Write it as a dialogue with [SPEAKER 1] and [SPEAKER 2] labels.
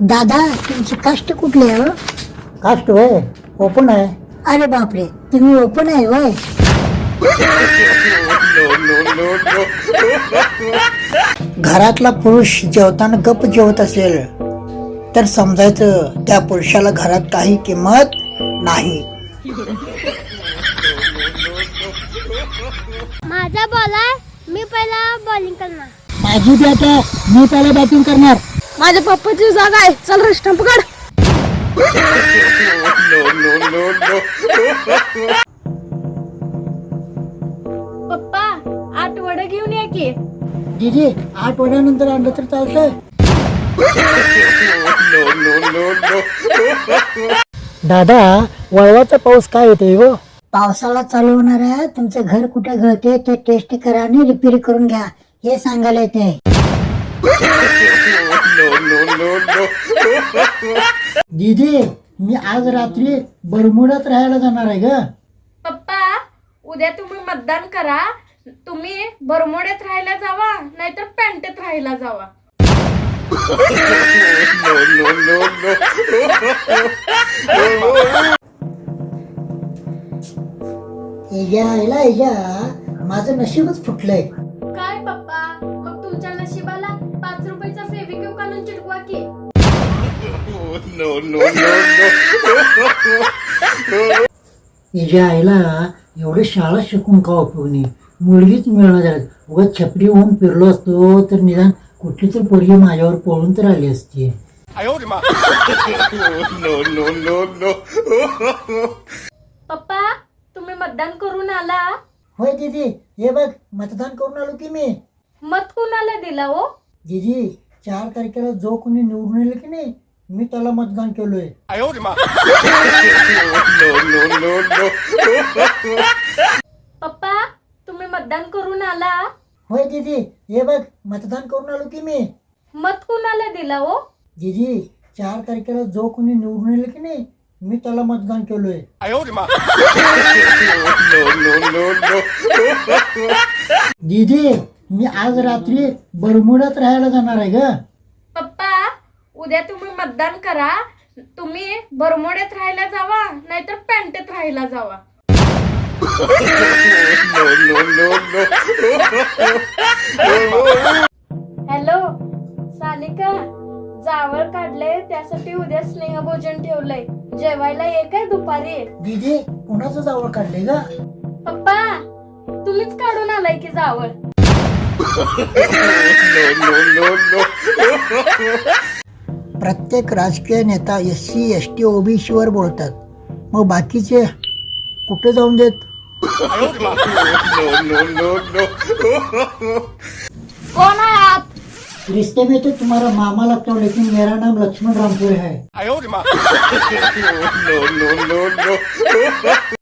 [SPEAKER 1] दादा तुमची कास्ट कुठली आहे हो?
[SPEAKER 2] कास्ट होय ओपन आहे.
[SPEAKER 1] अरे बापरे, तुम्ही ओपन आहे होय.
[SPEAKER 2] घरातला पुरुष जेवताना गप जेवत असेल तर समजायचं त्या पुरुषाला घरात काही किंमत नाही.
[SPEAKER 3] माझा बॉल आहे, मी पहिला बॉलिंग करणार.
[SPEAKER 2] माझी बॅट आहे, मी त्याला बॅटिंग करणार.
[SPEAKER 3] माझ्या पप्पाची जागा आहे, चल रे स्टंप काढ. पप्पा 8 वडे घेऊन या की.
[SPEAKER 2] दीदी 8 वड्यानंतर आणलं तर चालतंय. दादा वळवाचा पाऊस काय येते हो?
[SPEAKER 1] पावसाला चालू होणार आहे. तुमचं घर कुठे गळते ते टेस्ट करा आणि रिपेअर करून घ्या हे सांगायला येते.
[SPEAKER 2] दीदी मी आज रात्री बरमुडात राहायला जाणार आहे ग.
[SPEAKER 4] पप्पा उद्या तुम्ही मतदान करा. तुम्ही बरमोड्यात राहायला जावा नाहीतर पॅन्टेत राहायला जावा.
[SPEAKER 2] माझं नशीबच फुटलंय.
[SPEAKER 4] काय पप्पा, मग तुमच्या नशिबाला 5 रुपयाचा फेविक्विक आणून चिटकवा की.
[SPEAKER 2] हिच्या आईला एवढे शाळा शिकून का उपयोग नाही, मुलगीच मिळणार. उगाच छपरी होऊन फिरलो असतो तर निदान कुठली तर पोरगी माझ्यावर पळून तर आली असती.
[SPEAKER 4] पप्पा तुम्ही मतदान करून आला.
[SPEAKER 2] होय दीदी, हे बघ मतदान करून आलो की मी.
[SPEAKER 4] मत कुणाला दिला हो?
[SPEAKER 2] दीदी 4 तारखेला जो कोणी निवडून येईल की नाही मी त्याला मतदान केलोय.
[SPEAKER 4] पप्पा तुम्ही मतदान करून आला.
[SPEAKER 2] होय दीदी, हे बघ मतदान करून आलो की मी.
[SPEAKER 4] मत कुणाला दिला हो?
[SPEAKER 2] दीदी 4 तारखेला जो कोणी निवडून येईल की नाही मी त्याला मतदान केलोय. दीदी मी आज रात्री बरमुडात राहायला जाणार आहे ग.
[SPEAKER 4] पप्पा उद्या तुम्ही मतदान करा. तुम्ही बरमोड्यात राहायला जावा नाहीतर पॅन्टेत राहायला जावा. हॅलो सानिका, जावळ काढले त्यासाठी उद्या स्नेहभोजन ठेवलंय. जेवायला ये काय दुपारी?
[SPEAKER 2] दीदी कुणाचं जावळ काढले ग?
[SPEAKER 4] पप्पा तुम्हीच काढून आलाय की जावळ.
[SPEAKER 2] प्रत्येक राजकीय नेता SC ST OBC वर बोलतात, मग बाकीचे कुठे जाऊन देत?
[SPEAKER 4] कोण आहे?
[SPEAKER 2] रिश्ते में तो तुम्हारा मामा लगता हूँ लेकिन मेरा नाम लक्ष्मण रामपुर है.